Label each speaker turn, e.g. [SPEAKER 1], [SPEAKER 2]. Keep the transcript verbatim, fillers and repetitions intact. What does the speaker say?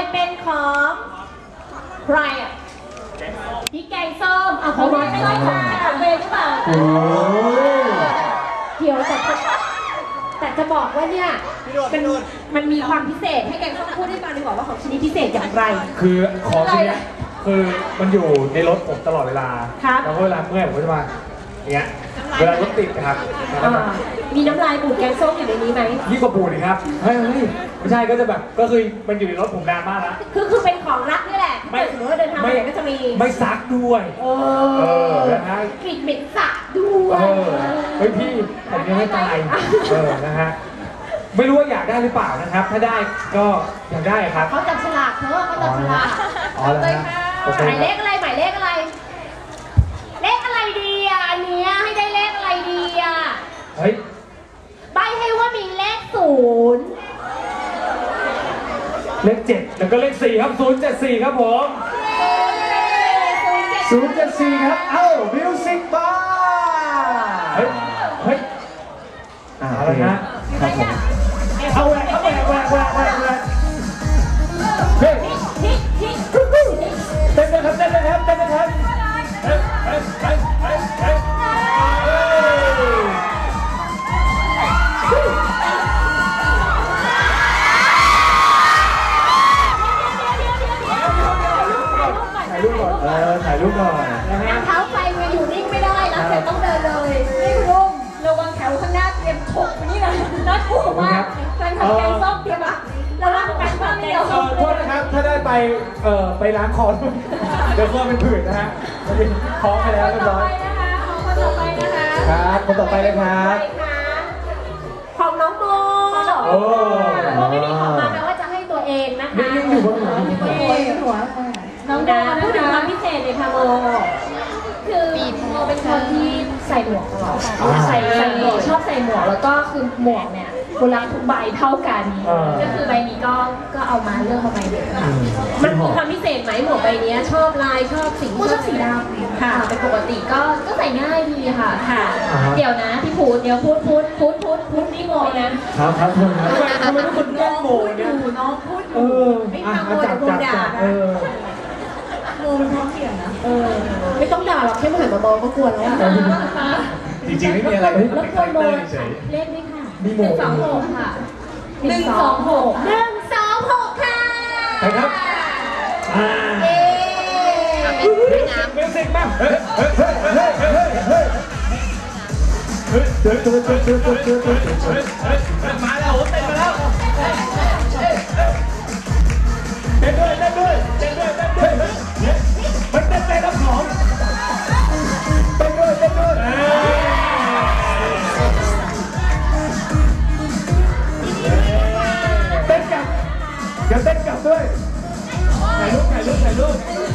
[SPEAKER 1] เป็นของใครอ่ะพี่แกงส้มอ่ะเขาไม่ใช่ของของเวรหรือเปล่าเดี๋ยวแต่แต่จะบอกว่าเนี่ยมันมันมีความพิเศษให้แกงส้มพูดให้ฟังดีกว่าว่าของชิ้นนี้พิเศษอย่างไร
[SPEAKER 2] คือของชิ้นนี้คือมันอยู่ในรถผมตลอดเวลาแล้วเวลาเมื่อยผมก็จะมาอย่างเงี้ยเวลารถติดครับ
[SPEAKER 1] มีน้ำลายบูดแกงส้มอยู่ในนี้ไหม
[SPEAKER 2] ยิ่งกว่าบูดเลยครับเฮ้ยไม่ใช่ก็จะแบบก็คือมันอยู่ในรถผมนานมากแล้ว
[SPEAKER 1] คือคือเป็นของรักนี่แหละไม่สมมติว่าเดินทางไปไหนก็จะมี
[SPEAKER 2] ไม่ซักด้วยเออนะฮะ
[SPEAKER 1] กลิ่นเหม็นสาบด้วย
[SPEAKER 2] เฮ้ยพี่ผมยังไม่ตายเออนะฮะไม่รู้ว่าอยากได้หรือเปล่านะครับถ้าได้ก็อยากได้ครับ
[SPEAKER 1] เขาจับฉลากเธอเขาจับฉลาก
[SPEAKER 2] อ๋อเลยฮะ
[SPEAKER 1] หมายเลขอะไรหมายเลขอะไรเลขอะไรดีอ่ะอันนี้ให้ได้เลขอะไรดีอ่ะ
[SPEAKER 2] เฮ้ย
[SPEAKER 1] ใบให้ว่ามีเลขศูนย์
[SPEAKER 2] เลขเจ็ดแล้วก็เลขสี่ครับศูนย์เจ็ดสี่ครับผมศูนย์เจ็ดสี่ครับเอ้ามิวสิกบาร์เฮ้ยเฮ้ยเอาละนะเอาแหวกเอาแหวกแหวกแหวกแหวกแหวกเฮ้ยเต้นเลยครับเต้นเลยครับเต้นเลยครับเฮ้ยเฮ้ยเฮ้ยเฮ้ยเฮ้ยถ่ายรูปก่อนเออถ่ายรูปก่อน
[SPEAKER 1] นั่งเท้าไปมาอยู่นิ่งไม่ได้แล้วเสร็จต้องเดินเลยนี่คุณลุงระวังแถวข้างหน้าเตรียมถกนี่นะน่ากลัวมากแฟนขับแกงส้มเตรียมอะระวังแฟนขับแกงส้ม
[SPEAKER 2] โทษนะครับถ้าได้ไปเอ่อไปล้างคอเดี๋ยวคอเป็นผื่นนะฮะท้องไปแล้วเรียบร้อย
[SPEAKER 1] คนต่อไปนะคะ
[SPEAKER 2] ครับคนต่อไปเลยครับ
[SPEAKER 1] ของน้องโมโอ้โมไม่มีของมาแปลว่าจะให้ตัวเองนะคะ
[SPEAKER 2] นี่ยังอยู่บนหัว
[SPEAKER 1] หัวน้องโมพูดถึงความพิเศษเลยค่ะโมคือโมเป็นคนที่ใส่หมวกตลอดใส่ใส่หมวกชอบใส่หมวกแล้วก็คือหมวกเนี่ยโบราณทุกใบเท่ากันก็คือใบนี้ก็ก็เอามาเลือกมาใบเดียวมันมีความพิเศษไหมหมวกใบนี้ชอบลายชอบสีชอบสีดำค่ะเป็นปกติก็ก็ใส่ง่ายดีค่ะค่ะเดี๋ยวนะพี่พูดเดี๋ยวพูดพูดพูดพูดพูดนี่โมนะครับ
[SPEAKER 2] ครับทุกคนทำไมทุกคนแกล้งโมเนี่ย
[SPEAKER 1] น้องพูดอยู่ไม่ฟังโมจะโดนด่านะโมมันท้องเสียนะเออไม่ต้องด่าหรอกแค่มาหันมามองก็กลัวแล้ว
[SPEAKER 2] จริงๆไม่มีอะไร
[SPEAKER 1] แล้วคนโมเลขนี่ค่ะหนึ่งสองหกค่ะหนึ่งสองหกหนึ่งสองหกค่ะ
[SPEAKER 2] ใช่ครับอ่าเอ๊ะมิวสิกมาเฮ้ยเฮ้ยเฮ้ยเฮ้ยเฮ้ยเฮ้ยเฮ้ยเฮ้ยเฮ้ยเฮ้ยเฮ้ยเฮ้ยเฮ้ยเฮ้ยมาแล้วโอ้เต้นมาแล้วเต้นด้วยเต้นด้วยเต้นด้วยเต้นด้วยมันเต้นไปรับของเต้นด้วยเต้นด้วยเต้นกลับเดี๋ยวเต้นกลับด้วยถ่ายรูปถ่ายรูปถ่ายรูป